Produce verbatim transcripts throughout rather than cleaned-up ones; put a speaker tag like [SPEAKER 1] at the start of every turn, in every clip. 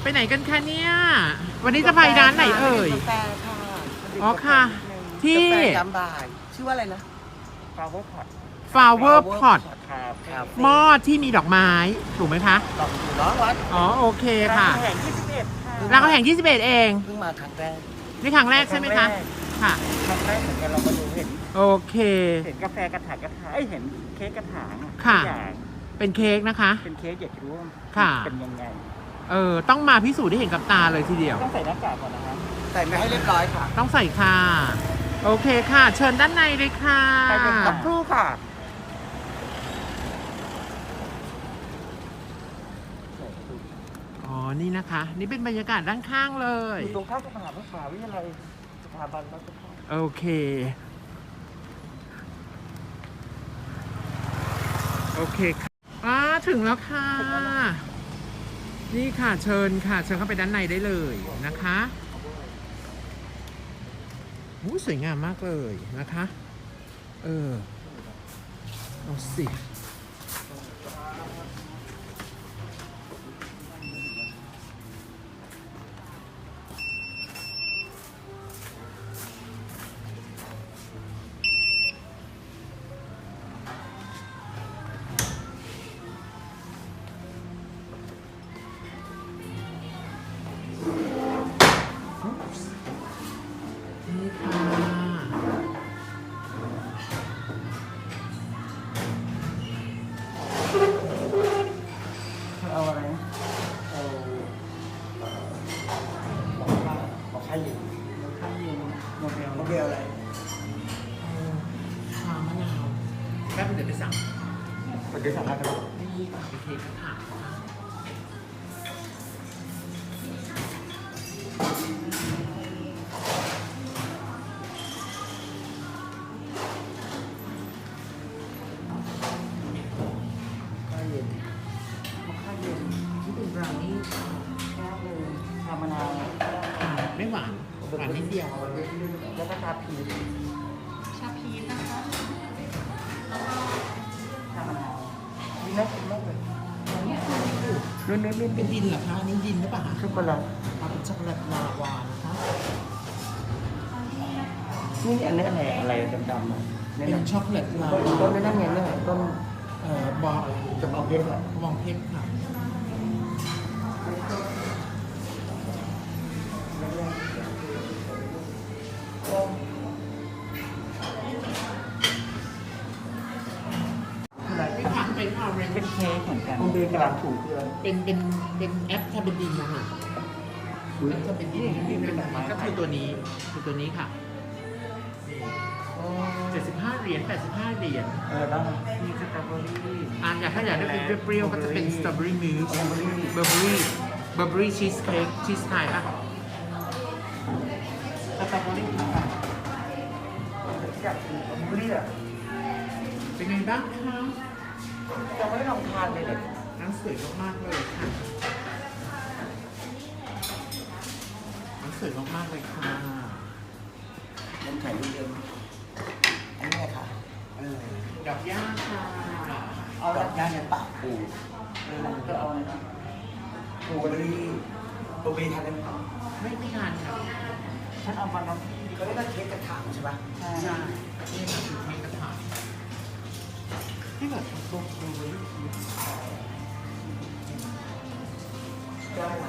[SPEAKER 1] ไปไหนกันคะเนี่ยวันนี้จะไปร้านไหนเอ่ย
[SPEAKER 2] กาแฟค่ะ
[SPEAKER 1] อ๋อค่ะที่
[SPEAKER 2] กาแฟยามบ่ายชื่อว่าอะไรนะ
[SPEAKER 3] flower pot
[SPEAKER 1] flower pot
[SPEAKER 3] ครับ
[SPEAKER 2] ครับ
[SPEAKER 1] หม้อที่มีดอกไม้ถูกไหมคะ
[SPEAKER 2] ลองดูเนาะวัด
[SPEAKER 1] อ๋อโอเคค่ะ
[SPEAKER 3] รามคำแห่งยี่สิบเอ็ดค่ะ
[SPEAKER 1] รามคำแห่งยี่สิบเอ็ดเอง
[SPEAKER 2] เพิ่งมาครั้งแรก
[SPEAKER 1] นี่ครั้งแรกใช่ไหมคะค่ะ
[SPEAKER 3] ครั้งแรกเหมือนกันเราก็ดูเห็น
[SPEAKER 1] โอเค
[SPEAKER 3] เห็นกาแฟกระถางกระถางเอ้ยเห็นเค้กกระถาง
[SPEAKER 1] ค่ะ
[SPEAKER 3] ทุกอย่าง
[SPEAKER 1] เป็นเค้กนะคะ
[SPEAKER 3] เป็นเค้กอยากจะรู้ว่า
[SPEAKER 1] ค่ะ
[SPEAKER 3] เป็นยังไง
[SPEAKER 1] เออต้องมาพิสูจน์ได้เห็นกับตาเลยทีเดียว
[SPEAKER 3] ต้องใส่หน้ากากก่อนนะครับ
[SPEAKER 2] ใส่มาให้เรียบร้อยค่ะ
[SPEAKER 1] ต้องใส่ค่ะ โอเคค่ะ เชิญด้านในเลยค่ะ
[SPEAKER 3] ไปเลยค
[SPEAKER 2] สั
[SPEAKER 3] รั
[SPEAKER 2] ก
[SPEAKER 3] บ
[SPEAKER 2] ครู่ค่ะ
[SPEAKER 1] อ๋อนี่นะคะ นี่เป็นบรรยากาศด้านข้างเลย
[SPEAKER 3] อยู่ตรงข้ามกับมหาวิทยาลัยสถาบันรัฐศาสตร์
[SPEAKER 1] โอเค โอเคค่ะอ่าถึงแล้วค่ะ นี่ค่ะเชิญค่ะ เชิญเข้าไปด้านในได้เลยนะคะอู้สวยงามมากเลยนะคะ เออเอาสิ นี่ค่ะ
[SPEAKER 3] เอาอะไรนะเอาบอกให้ยืนบอกให้ยืนโมเดล
[SPEAKER 2] โมเดลอะไร
[SPEAKER 1] ชามะนาวแป๊บเดี๋ยวไปสั่ง
[SPEAKER 3] เป็นที่สามารถจะ
[SPEAKER 1] นี่ค่ะเป็นเค้กกระถางนะคะก็เย็น
[SPEAKER 3] บอกให้ยืน
[SPEAKER 1] นี่เป็นบราวนี่ค่ะ
[SPEAKER 3] แก้วเลยชามะนาว
[SPEAKER 1] อ่าไม่หวานหวานนิดเดียว
[SPEAKER 3] แล้วก็ชาพีช
[SPEAKER 4] ชาพีชนะคะ
[SPEAKER 3] ชามะนาวนี่น่ากินมากเลยนุ่นนุ่นนุ่น
[SPEAKER 1] เป็นดินเหรอคะอันนี้ดินหรือเปล่าคะ
[SPEAKER 3] ช็อกโกแลต
[SPEAKER 1] เอาเป็นช็อกโกแลตลาวานะคะ
[SPEAKER 3] นี่อันนี้อะไรอะไรดำๆอ่ะนี่
[SPEAKER 1] เป็น
[SPEAKER 3] นะ
[SPEAKER 1] ช็อกโกแลตลา
[SPEAKER 3] ต้น
[SPEAKER 1] วา
[SPEAKER 3] ต้นนั่นไงเนี่ยต้น
[SPEAKER 1] เอ่อบอ
[SPEAKER 3] จะบอกเพชรอ่ะ
[SPEAKER 1] มองเพชรค่ะไม่ผ่านเป็นออเรน
[SPEAKER 3] เป็น
[SPEAKER 1] จ์
[SPEAKER 3] เค้กเหมือนกันมันเป็นกระดาษถุงคืออะไร
[SPEAKER 1] เป็นเป็นเป็นแอปทาเบนดินนะคะแอปทาเบนดินนี่เป็นแบบนี้ก็คือตัวนี้คือตัวนี้ค่ะเจ็ดสิบห้าเหรียญแปดสิบห้าเหรียญ
[SPEAKER 3] เออได้มีสตรอเบอรี่
[SPEAKER 1] อ่าอยากถ้าอยากได้เป็นเปรี้ยวๆก็จะเป็นสตรอเบอรี่มิลค์
[SPEAKER 3] สตรอเบอรี่
[SPEAKER 1] เบอร์เบอรี่เบอร์เบอรี่ชีสเค้กชีสไทยป่ะ
[SPEAKER 3] สตรอเบอรี่ค่ะอยากกินสตรอเบอรี่อ่ะ
[SPEAKER 1] เป็นไงบ้างคะ
[SPEAKER 2] ยังไม่ได้ลองทานเลยเลย
[SPEAKER 1] น้ำสวยมากๆเลยค่ะน้ำสวยมากๆเลยค่ะ
[SPEAKER 2] น้ำแข็งนิดเดียวอันนี้ไงค่ะเออ
[SPEAKER 1] ดอกย่าค่ะ
[SPEAKER 2] เอาดอกย่าเนี่ยปากปู
[SPEAKER 3] เออก็เอาอะไรนะ
[SPEAKER 2] ปูเบอรี่ปูเบอรี่ทานได้ไหม
[SPEAKER 1] ไม่ไม่นานค่ะ
[SPEAKER 3] ฉันเอามาน้ำ
[SPEAKER 2] เขาเรียกว่าเค้กกระถางใช่ปะ
[SPEAKER 3] ใช่
[SPEAKER 1] ใช่นี่ค่ะคือเค้กกระถางที่แบบโบว์โบว์
[SPEAKER 2] ได้นะ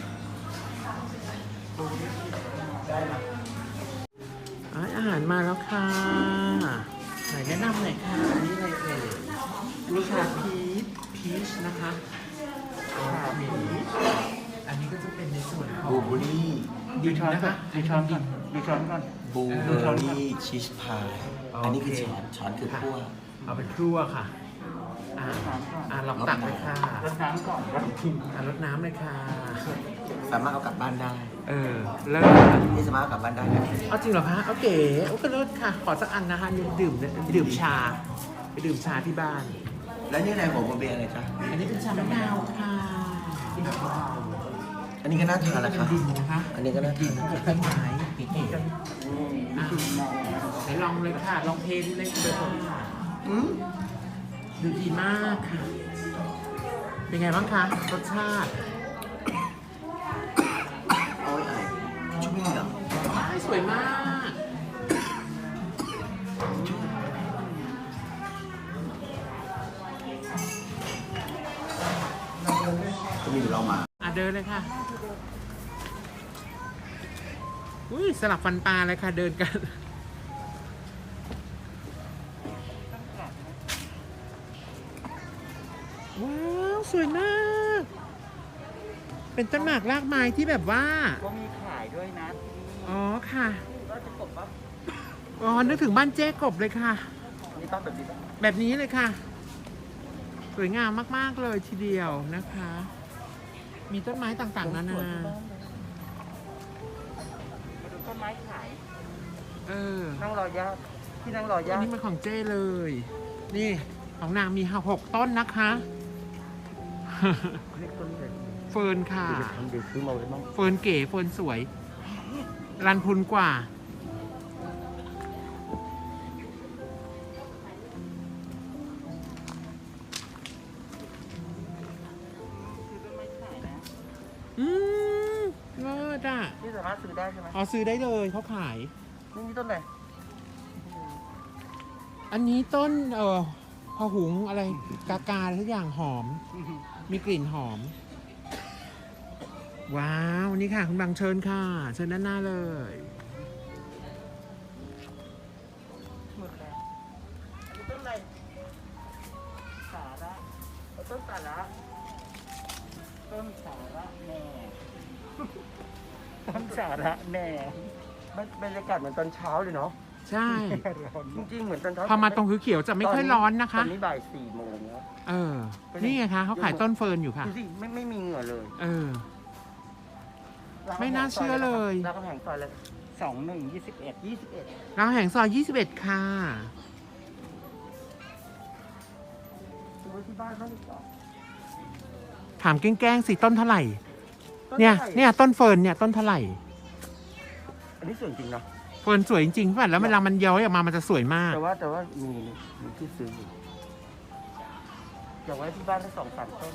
[SPEAKER 2] ได้นะ
[SPEAKER 1] อาหารมาแล้วค่ะไหนแนะนำหน่อยค่ะอันนี้อะไรเอ่ยลูกชาพีชพีชนะคะชาพีชอันนี้ก็จะเป็นในส่วนของ
[SPEAKER 2] บูเบอรี่
[SPEAKER 3] ดูช้อนก่อนดูช้อนก่อนดูช้อนก่อน
[SPEAKER 2] บูเบอรี่ชีสพายอันนี้คือช้อนช้อนคือคั่ว
[SPEAKER 1] เอาเป็นครัวค่ะ อ่าอ่าลองตักเลยค่ะ
[SPEAKER 3] รดน้ำก่อนแล้วกิน
[SPEAKER 1] อ่ารดน้ำเลยค่ะ
[SPEAKER 2] สามารถเอากลับบ้านได้
[SPEAKER 1] เออเลิศ
[SPEAKER 2] นี่สามารถเอากลับบ้านได้นะ
[SPEAKER 1] เอาจริงเหรอคะโอเคโอ้ก็เลิศค่ะ ขอสักอันนะคะดื่มดื่มชา ไปดื่มชาที่บ้าน
[SPEAKER 2] แล้วนี่อะไรหัวโมเบลอะไรจ๊ะ
[SPEAKER 1] อันนี้เป็นชามะนาวค่ะ
[SPEAKER 2] อันนี้ก็น่าทานนะคะ
[SPEAKER 1] ดินนะคะ
[SPEAKER 2] อันนี้ก็น่าทาน
[SPEAKER 1] กับต้นไม้นี่อ่ะไหนลองเลยค่ะ ลองเทสเลยค่ะ
[SPEAKER 2] อืม
[SPEAKER 1] ดูดีมากค่ะ เป็นไงบ้างคะรสชาติ
[SPEAKER 2] เรามา
[SPEAKER 1] อ่ะเดินเลยค่ะ อุ้ยสลับฟันปลาเลยค่ะ เดินกัน ว้าว สวยมาก เป็นต้นหมากรากไม้ที่แบบว่า
[SPEAKER 3] ก็มีขายด้วยนะที่นี่
[SPEAKER 1] อ๋อค่ะ
[SPEAKER 3] ก็จะกบว่า
[SPEAKER 1] อ๋อ นึกถึงบ้านเจ๊กบเลยค่ะ
[SPEAKER 3] นี่ต้องแบบนี้ปะ
[SPEAKER 1] แบบนี้เลยค่ะ สวยงามมาก ๆ เลยทีเดียวนะคะ มีต้นไม้ต่างๆ นานา
[SPEAKER 3] มาดูต้นไม้ขาย
[SPEAKER 1] เออ
[SPEAKER 3] นั่งรอย่าที่นั่งรอ
[SPEAKER 1] อั
[SPEAKER 3] ย่าน
[SPEAKER 1] นี้มันของเจ้เลย นี่ ของนางมีหกต้นนะคะ
[SPEAKER 3] เรียกต้นเลย
[SPEAKER 1] เฟิร์นค่ะ
[SPEAKER 3] เดี๋ยวทำเดี๋ยวซื้อมาไว้บ้าง
[SPEAKER 1] เฟิร์นเก๋เฟิร์นสวย รันพุนกว่า
[SPEAKER 3] ซื้อต้นไม้ขายนะ
[SPEAKER 1] อืมเลิศอ่ะ
[SPEAKER 3] ที่สามารถซื้อได้ใช่ไหม
[SPEAKER 1] อ๋อซื้อได้เลยเขาขาย
[SPEAKER 3] นี่มีต้นอะไร
[SPEAKER 1] อันนี้ต้น เอ่อพะหุงอะไร กากาอะไรทุกอย่างหอม มีกลิ่นหอม ว้าว นี่ค่ะ คุณบังเชิญค่ะ เชิญด้านหน้าเลย
[SPEAKER 3] หมดแล้วอันนี้ต้นอะไรสาระเอาต้นสาระต้นสาระแหน่ ต้นสาระแหน่บรรยากาศเหมือนตอนเช้าเลยเนาะ
[SPEAKER 1] ใช่
[SPEAKER 3] จริงๆเหมือนตอนเช้า
[SPEAKER 1] พอมาตรงเขียวๆจะไม่ค่อยร้อนนะคะ
[SPEAKER 3] ตอนนี้บ่ายสี่โมงแล้ว
[SPEAKER 1] เออ นี่ไงคะเขาขายต้นเฟิร์นอยู่ค่ะ
[SPEAKER 3] ดูสิไม่ไม่มีเหงื่อเลย
[SPEAKER 1] เออ ไม่น่าเชื่อเลย
[SPEAKER 3] รามคำแหงซอยเลยสองหนึ่งยี่สิบเอ็ดยี่สิบเอ็ด
[SPEAKER 1] รามคำแหงซอยยี่สิบเอ็ดค่ะ
[SPEAKER 3] ซื้อไว้ที่บ้านเขาดีกว่า
[SPEAKER 1] ถามแกล้งๆสิต้นเท่าไหร่
[SPEAKER 3] ต้
[SPEAKER 1] เนี่ย
[SPEAKER 3] ท่าไหร่
[SPEAKER 1] เนี่ยต้นเฟิร์นเนี่ยต้นเท่าไหร่
[SPEAKER 3] อันนี้สวยจริงนะ
[SPEAKER 1] เฟิร์นสวยจริงๆป่ะแล้วเวลามันย้อยออกมามันจะสวยมาก
[SPEAKER 3] แต่ว่าแต่ว่ามีมีที่ซื้ออยู่อยากไว้ที่บ้านทั้งสองสามต้น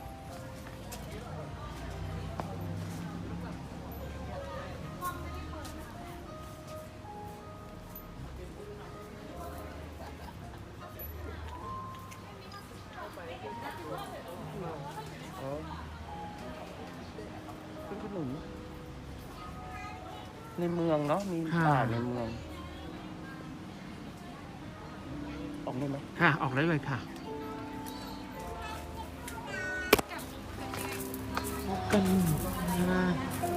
[SPEAKER 3] อ๋อเป็นขนมในเมืองเนาะมี
[SPEAKER 1] ค่ะ
[SPEAKER 3] ป่าในเมืองออกได้ไหม
[SPEAKER 1] ค่ะ ออกได้เลยค่ะพบกันนะ